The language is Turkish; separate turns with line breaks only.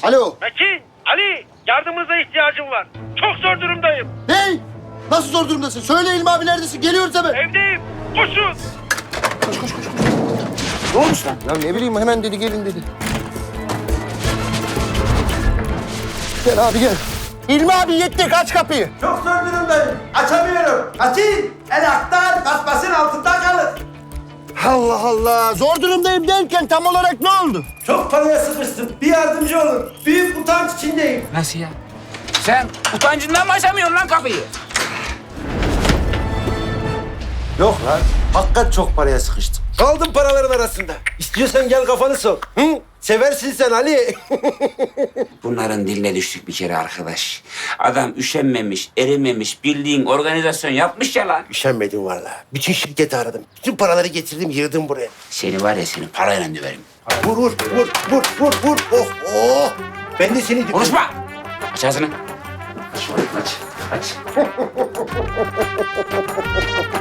Alo.
Metin, Ali, yardımınıza ihtiyacım var. Çok zor durumdayım.
Hey! Nasıl zor durumdasın? Söyle İlmi abi neredesin? Geliyoruz hemen.
Evdeyim. Koşun.
Ne olmuş lan? Ya ne bileyim hemen dedi gelin dedi. Gel abi gel. İlmi abi yetti aç kapıyı.
Çok zor durumdayım. Açamıyorum. Açayım. El aktar, kasmasın altında kalır.
Allah Allah. Zor durumdayım derken tam olarak ne oldu?
Çok paraya sıkıştım. Bir yardımcı olun. Büyük utanç içindeyim.
Nasıl ya? Sen utancından mı açamıyorsun lan kapıyı?
Yok lan. Hakikat çok paraya sıkıştım. Kaldım paraların arasında. İstiyorsan gel kafanı sok. Hı? Seversin sen Ali.
Bunların diline düştük bir kere arkadaş. Adam üşenmemiş, erimemiş, bildiğin organizasyon yapmış ya lan.
Üşenmedim vallahi. Bütün şirketi aradım. Bütün paraları getirdim, yığdım buraya.
Seni var ya seni parayla döverim.
Vur, vur, vur, vur, vur, vur. Oh, oh. Ben de seni...
Konuşma! Aç ağzını. Aç, aç.